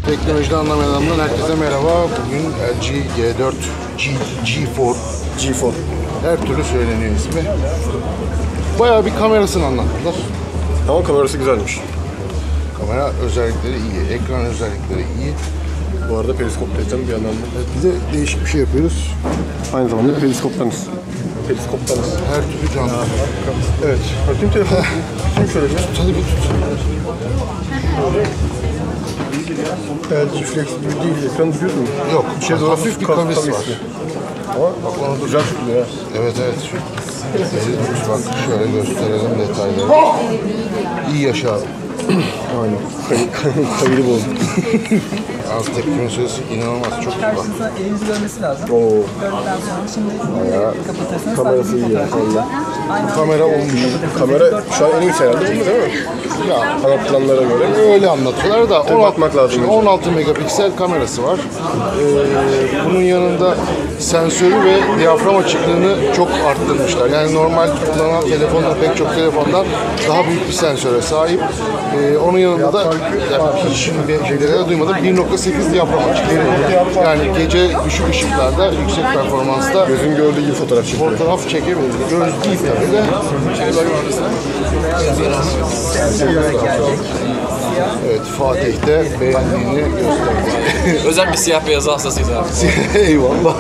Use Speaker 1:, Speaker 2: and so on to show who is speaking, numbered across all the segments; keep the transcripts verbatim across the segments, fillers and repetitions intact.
Speaker 1: Teknolojiden anlamayan adamdan herkese merhaba. Bugün L G G dört G, G4
Speaker 2: G4
Speaker 1: her türlü söyleniyor ismi. Bayağı bir kamerasını anlattılar.
Speaker 2: Ama kamerası güzelmiş.
Speaker 1: Kamera özellikleri iyi, ekran özellikleri iyi.
Speaker 2: Bu arada periskop diyeceğim bir yandan da.
Speaker 1: Evet, bir de değişik bir şey yapıyoruz.
Speaker 2: Aynı zamanda periskoptanız. Periskoptanız.
Speaker 1: Her türlü canlı.
Speaker 2: Evet. Bakayım telefonu. Tutayım şöyle bir.
Speaker 1: Hadi bir tut.
Speaker 2: L G Flexible değil. Ekranı biliyorsun mu?
Speaker 1: Yok,
Speaker 2: şey
Speaker 1: hafif bir kavis var.
Speaker 2: Ama bak onu güzel tutuluyor ya.
Speaker 1: Evet evet. Şu, evet, bak şöyle gösterelim detayları. İyi yaşa abi.
Speaker 2: Aynen. Kayılı bozdu.
Speaker 1: Az tepkime süresi inanılmaz çok iyi bak.
Speaker 3: Karşınıza elinizi görmesi lazım.
Speaker 2: Oo.
Speaker 3: Gördükten sonra şimdi kapatırsanız
Speaker 2: Kamerası iyi ya. Valla.
Speaker 1: Kamera olmuş.
Speaker 2: Kamera şu an en iyisi herhalde değil mi?
Speaker 1: Ya
Speaker 2: Kanat planlara göre.
Speaker 1: öyle anlatıyorlar da on altı,
Speaker 2: bakmak lazım.
Speaker 1: şimdi on altı megapiksel kamerası var. Ee, bunun yanında sensörü ve diyafram açıklığını çok arttırmışlar. Yani normal kullanılan telefonlar, pek çok telefondan daha büyük bir sensöre sahip. Ee, onun yanında da yani hiç şeylere duymadım bir nokta sekiz diyafram açıklığı. Yani gece düşük ışıklarda yüksek performansta
Speaker 2: Gözün gördüğü gibi fotoğraf çekiyor.
Speaker 1: fotoğraf çekebiliriz. Göz değil tabii de. Evet, Fatih de beğendiğini gösterdi.
Speaker 4: Özel bir siyah beyaz hastasıyız abi.
Speaker 1: Eyvallah.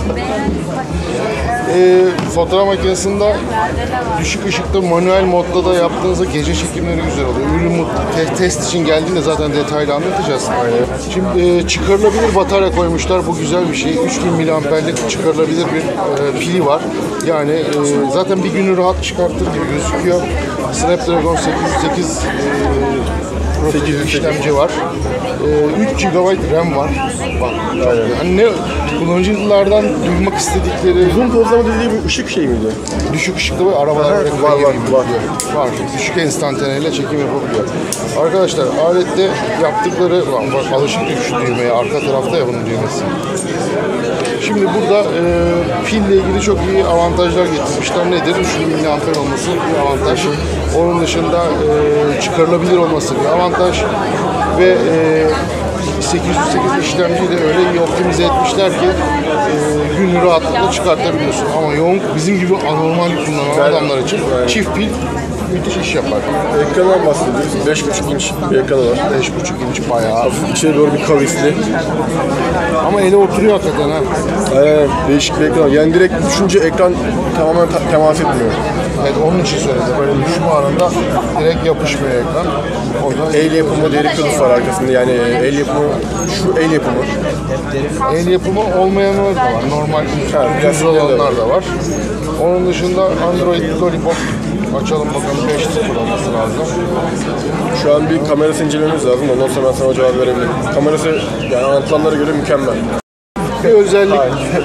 Speaker 1: Ee, fotoğraf makinesinde düşük ışıkta manuel modda da yaptığınızda gece çekimleri güzel oluyor. Ürün te test için geldiğinde zaten detaylı anlatacağız. Aynen. Şimdi e, çıkarılabilir batarya koymuşlar. Bu güzel bir şey. üç bin miliamperlik çıkarılabilir bir e, pili var. Yani e, zaten bir günü rahat çıkartır gibi gözüküyor. Snapdragon sekiz yüz sekiz e, sekiz işlemci var. Ee, üç gigabayt RAM var. Bak, yani ne kullanıcılardan duymak istedikleri
Speaker 2: Uzun pozlama dediği bir ışık şey miydi?
Speaker 1: düşük ışıklı ve arabalar
Speaker 2: Var,
Speaker 1: ve
Speaker 2: var,
Speaker 1: kayıyor
Speaker 2: var,
Speaker 1: gibi
Speaker 2: var.
Speaker 1: diyor. Var. Düşük enstantaneyle çekim yapabiliyor. Arkadaşlar alette yaptıkları lan bak alışık şu düğmeye arka tarafta ya bunun düğmesi. Şimdi burada e, pille ilgili çok iyi avantajlar getirmişler. Nedir? üç bin miliamper olması bir avantaj. Onun dışında e, çıkarılabilir olması bir avantaj. Ve e, sekiz yüz sekiz işlemciyi de öyle iyi optimize etmişler ki e, günü rahatlıkla çıkartabiliyorsun. Ama yoğun bizim gibi anormal kullanan adamlar için çift pil müthiş iş yapar.
Speaker 2: Ekrandan bahsediyoruz. beş buçuk inç bir ekranı var.
Speaker 1: beş buçuk inç bayağı.
Speaker 2: Hafif içeri doğru bir kavisli.
Speaker 1: Ama ele oturuyor hakikaten ha.
Speaker 2: Aynen değişik bir ekran. Yani direkt düşünce ekran tamamen ta- temas etmiyor.
Speaker 1: Evet onun için söyledi. Böyle düşme anında direkt yapışmıyor ekran. Oradan
Speaker 2: El yapımı deri kılıf var arkasında. Yani el yapımı, şu el yapımı.
Speaker 1: el yapımı olmayanlar da var. Normal düz olanlar da var. Onun dışında Android Lollipop açalım bakalım beş nokta sıfır olması lazım.
Speaker 2: Şu an bir kamerası incelememiz lazım. Ondan sonra ben sana cevap verebilirim. Kamerası yani anlatılanlara göre mükemmel.
Speaker 1: Bir özellik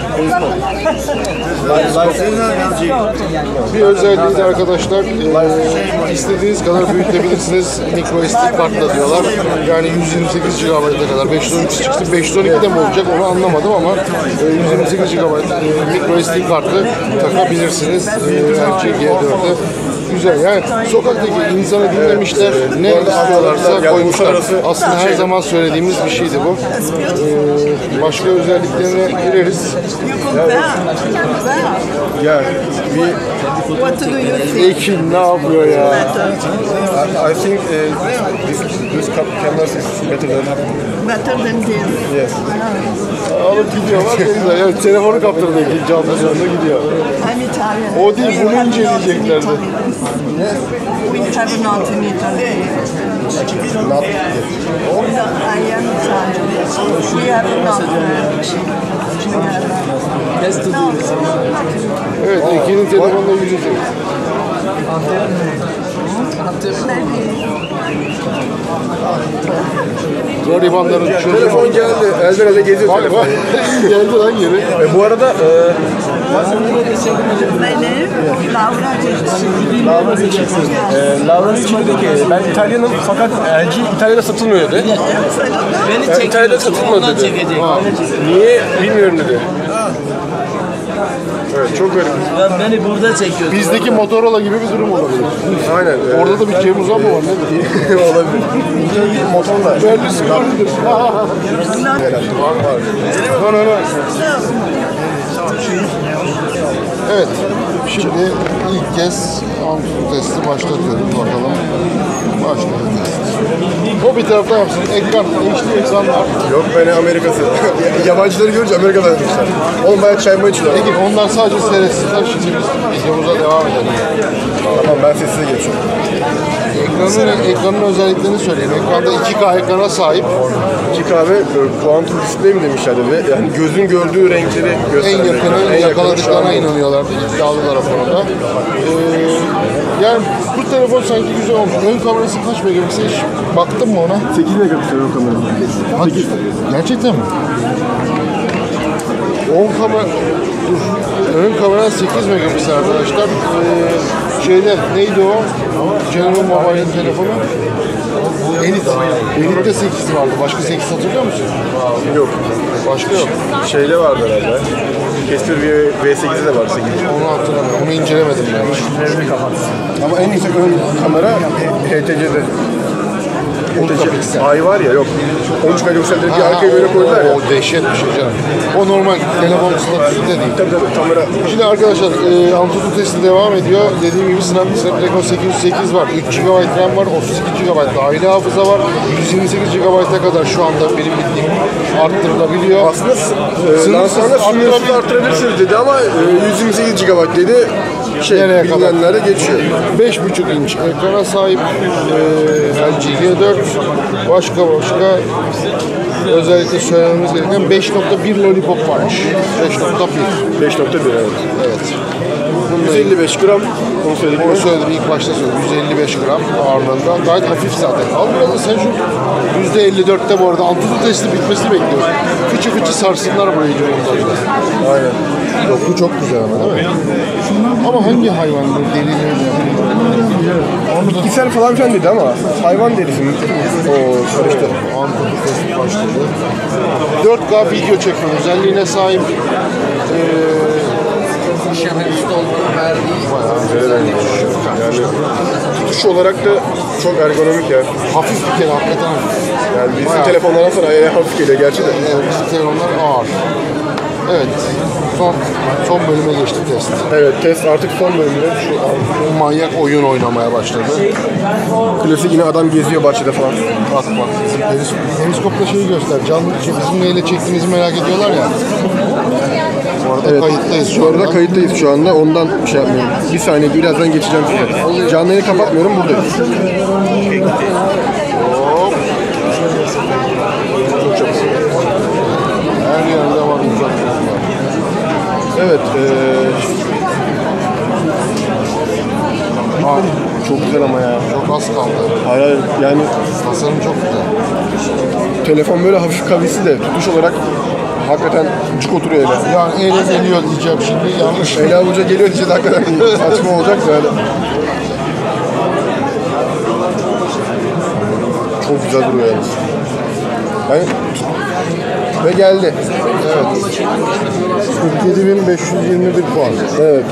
Speaker 1: bir özelliği de arkadaşlar e, istediğiniz kadar büyütebilirsiniz. Micro S D kartla diyorlar. Yani yüz yirmi sekiz gigabayta kadar beş yüz on iki çıksın. beş yüz on iki de mi olacak onu anlamadım ama e, yüz yirmi sekiz gigabayt e, Micro S D kartı takabilirsiniz. E, L G G dört'e. Güzel yani sokaktaki insanı dinlemişler, ne istiyorlarsa koymuşlar. Aslında her zaman söylediğimiz bir şeydi bu. Ee, başka özelliklerine gireriz.
Speaker 2: Ya bir
Speaker 5: What do you think?
Speaker 1: Ekin ne yapıyor ya?
Speaker 2: I, I think uh, this this camera is better than
Speaker 5: Better than this.
Speaker 2: yes.
Speaker 1: Alıp gidiyor bak ne güzel. Yani telefonu kaptırdı Ekin canlı canlı gidiyor.
Speaker 5: I'm Italian.
Speaker 1: O değil,
Speaker 5: We
Speaker 1: bunu
Speaker 5: have
Speaker 1: inceleyeceklerdi.
Speaker 5: not in Italy. We have not in Italy.
Speaker 2: Not
Speaker 5: No, I am Italian. We have not. We have not.
Speaker 1: Evet Ekin'in telefonla yüzecek. Garibanların çocuğu.
Speaker 2: telefon geldi. Elden ele geziyor
Speaker 1: Bak
Speaker 2: telefon.
Speaker 1: bak geldi lan geri.
Speaker 2: E, bu arada e,
Speaker 5: My name Laura Ricci.
Speaker 2: Laura Ricci. E, Laura Ricci dedi ki ben İtalyanım fakat L G İtalya'da satılmıyor dedi.
Speaker 4: Beni
Speaker 2: Yani İtalya'da
Speaker 4: çekiyorsun,
Speaker 2: satılmadı
Speaker 4: ondan
Speaker 2: dedi.
Speaker 4: çekecek.
Speaker 2: Niye bilmiyorum dedi. Evet, çok garip.
Speaker 6: Ya beni burada çekiyorsun.
Speaker 1: Bizdeki Motorola gibi bir durum olabilir.
Speaker 2: Aynen. e,
Speaker 1: Orada da bir Cem Uzan mı var nedir?
Speaker 2: olabilir. Motorla.
Speaker 1: Verdi sıkıntıdır.
Speaker 2: Var var.
Speaker 1: Lan lan. Evet. Şimdi ilk kez Antutu testi başlatıyorum. Bakalım. Başlayalım. O bir tarafta yapsın. Ekran, H D ekranlar.
Speaker 2: Yok beni Amerika'sı. Yabancıları görünce Amerika'dan demişler. Oğlum bayağı çayma içiyorlar.
Speaker 1: Peki onlar sadece seyretsinler. Şimdi biz videomuza devam edelim.
Speaker 2: Tamam ben sessize geçiyorum.
Speaker 1: Ekranın, ekranın özelliklerini söyleyeyim. Ekranda iki K ekrana sahip.
Speaker 2: İki kahve kuantum display mi demişlerdi ve yani gözün gördüğü renkleri
Speaker 1: En
Speaker 2: gösteren
Speaker 1: yakını
Speaker 2: ekran. En
Speaker 1: yakaladıklarına
Speaker 2: şu an-
Speaker 1: inanıyorlardı. İddialılar o konuda. Ee, yani bu telefon sanki güzel olmuş. Ön kamerası kaç megapiksel? Hiç baktın mı ona?
Speaker 2: sekiz megapiksel ön kamerası.
Speaker 1: Hadi. Gerçekten mi? On kamera... Dur. Ön kamera sekiz megapiksel arkadaşlar. Ee, şeyde neydi o? General Mobile'in telefonu. Elite. Elite'de sekiz vardı. Başka sekiz hatırlıyor musun?
Speaker 2: Yok.
Speaker 1: Başka yok.
Speaker 2: Şeyde vardı herhalde. Kestir V sekizde de var sekiz.
Speaker 1: Onu hatırlamıyorum. Onu incelemedim ben.
Speaker 2: Ama en yüksek ön kamera H T C'de.
Speaker 1: on megapiksel.
Speaker 2: Ay var ya yok. on üç megapikselleri bir arkaya böyle koydular ya.
Speaker 1: O dehşet bir şey canım. O normal telefon statüsünde değil.
Speaker 2: Tabii tabii kamera.
Speaker 1: Şimdi arkadaşlar e, Antutu testi devam ediyor. Dediğim gibi Snap- Snapdragon sekiz yüz sekiz var. üç gigabayt RAM var. otuz iki gigabayt dahili hafıza var. yüz yirmi sekiz gigabayt'a kadar şu anda benim bildiğim arttırılabiliyor.
Speaker 2: Aslında e,
Speaker 1: Sınırsız
Speaker 2: lansmanda sınırsız
Speaker 1: arttırabilir-
Speaker 2: arttırabilirsiniz dedi ama e, yüz yirmi sekiz gigabayt dedi. Şey,
Speaker 1: Nereye kadar?
Speaker 2: bilinenlere geçiyor.
Speaker 1: beş buçuk inç ekrana sahip e, L G G dört. Başka başka özellikle söylememiz gereken beş nokta bir lollipop varmış. beş nokta bir.
Speaker 2: beş nokta bir evet.
Speaker 1: Evet.
Speaker 2: yüz elli beş gram. Onu söyledik.
Speaker 1: Onu söyledim ilk başta söyledim. yüz elli beş gram ağırlığında. Gayet hafif zaten. Al biraz sen şu yüzde elli dörtte bu arada Antutu testi bitmesini bekliyoruz. Fıçı fıçı sarsınlar burayı diyorlar.
Speaker 2: Aynen.
Speaker 1: Doku çok güzel ama değil mi? Ama hangi hayvan bu derileri Onu da
Speaker 2: Bitkisel falan filan dedi ama hayvan derisi mi? Oo karıştı.
Speaker 1: Antutu testi başladı. dört K video çekme özelliğine sahip. Ee,
Speaker 2: Yani tutuş olarak da çok ergonomik ya.
Speaker 1: hafif bir kere hakikaten hafif.
Speaker 2: Yani bizim
Speaker 1: Bayağı.
Speaker 2: telefonlardan sonra ayağa hafif geliyor gerçi de.
Speaker 1: Evet, bizim telefonlar ağır. Evet. Son son bölüme geçti test.
Speaker 2: Evet test artık son bölümde. Şu
Speaker 1: Manyak oyun oynamaya başladı.
Speaker 2: klasik yine adam geziyor bahçede falan.
Speaker 1: Bak bak. Bizim peris- periskopla şeyi göster. Canlı şey, bizim neyle çektiğimizi merak ediyorlar ya. Bu arada
Speaker 2: Evet.
Speaker 1: kayıttayız şu
Speaker 2: Bu arada
Speaker 1: anda.
Speaker 2: kayıttayız şu anda. Ondan şey yapmıyorum. Bir saniye birazdan geçeceğim size. Canlı yayını kapatmıyorum buradayız.
Speaker 1: Hop. Her yerde var uzak yollar.
Speaker 2: Evet. Eee
Speaker 1: Aa,
Speaker 2: çok güzel ama ya.
Speaker 1: çok az kaldı.
Speaker 2: Hayır hayır. Yani
Speaker 1: Tasarım çok güzel.
Speaker 2: telefon böyle hafif kavisi de tutuş olarak hakikaten cuk oturuyor ele.
Speaker 1: Yani ele geliyor diyeceğim şimdi yanlış.
Speaker 2: Ele avuca geliyor diyeceğiz hakikaten saçma olacak böyle. Çok güzel duruyor yani. Yani ve geldi.
Speaker 1: Evet. kırk yedi bin beş yüz yirmi bir puan.
Speaker 2: Evet.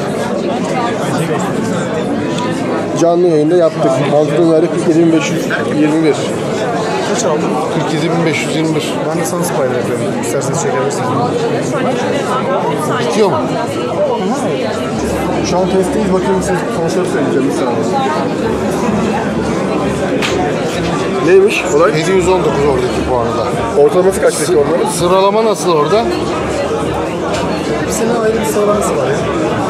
Speaker 2: Canlı yayında yaptık. Antutu'nun verdi kırk yedi bin beş yüz yirmi bir.
Speaker 1: Kaç aldın? kırk yedi bin beş yüz yirmi bir.
Speaker 2: Ben de sana spoiler yapıyorum. İsterseniz çekebilirsiniz.
Speaker 1: Bitiyor mu?
Speaker 2: Şu an testteyiz. Bakayım size sonuçları söyleyeceğim bir saniye. Neymiş olay?
Speaker 1: yedi yüz on dokuz oradaki puanı da.
Speaker 2: Ortalaması kaç peki onların?
Speaker 1: Sıralama nasıl orada?
Speaker 2: Hepsinin ayrı bir sıralaması var ya.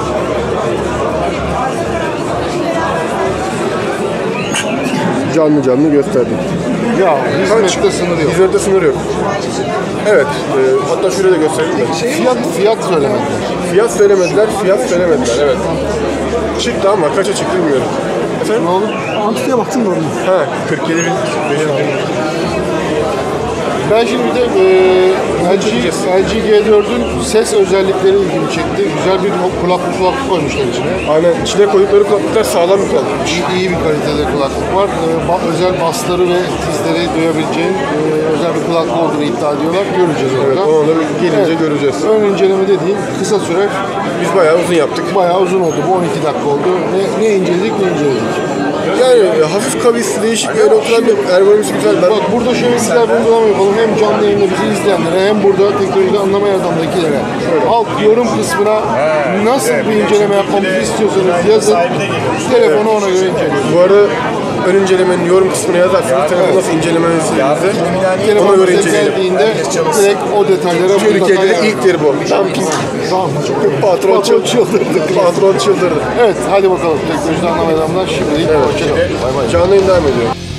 Speaker 2: Canlı canlı gösterdik.
Speaker 1: Ya hizmette sınır yok.
Speaker 2: Hizmette sınır yok. Evet. E, hatta şurada da göstereyim de.
Speaker 1: Fiyat fiyat söylemediler.
Speaker 2: Fiyat söylemediler, fiyat söylemediler. Evet. Çıktı ama kaça çıktı bilmiyorum. Efendim?
Speaker 1: Ne olur?
Speaker 2: Antutu'ya baktın mı orada? Ha, kırk yedi bin beş yüz.
Speaker 1: Ben şimdi bir de e, L G, L G G dört'ün ses özellikleri ilgimi çekti. Güzel bir kulaklık kulaklık koymuşlar içine.
Speaker 2: Aynen içine koydukları kulaklıklar sağlam bir kulaklık.
Speaker 1: İyi, iyi bir kalitede kulaklık var. E, ba- özel basları ve tizleri duyabileceğin e, özel bir kulaklık olduğunu iddia ediyorlar. Göreceğiz
Speaker 2: Evet,
Speaker 1: orada.
Speaker 2: onu da gelince
Speaker 1: Evet.
Speaker 2: göreceğiz.
Speaker 1: Ön inceleme dediğin kısa süre,
Speaker 2: Biz bayağı uzun yaptık.
Speaker 1: bayağı uzun oldu. Bu on iki dakika oldu. Ne, ne inceledik ne inceledik.
Speaker 2: Yani e, hafif kavisli, değişik bir öyle oturan bir ergonomisi güzel. Ben
Speaker 1: Bak burada şöyle güzel bir uygulama yapalım. Hem canlı yayında bizi izleyenlere hem burada teknolojide anlamayan adamdakilere. Alt yorum kısmına nasıl bir inceleme yapmamızı istiyorsanız yazın. Telefonu ona göre inceleyin.
Speaker 2: bu arada ön incelemenin yorum kısmına yazarsanız telefonu nasıl incelemenizi ona
Speaker 1: Telefon
Speaker 2: göre
Speaker 1: bize
Speaker 2: inceleyelim.
Speaker 1: geldiğinde direkt o detaylara
Speaker 2: Türkiye'de
Speaker 1: mutlaka
Speaker 2: de ilktir bu. Dumping.
Speaker 1: Tamam.
Speaker 2: Patron çıldırdı. Patron çıldırdı.
Speaker 1: Evet hadi bakalım teknolojide anlamayan adamlar şimdilik hoşçakalın. Bay bay.
Speaker 2: Canlı yayın devam ediyor.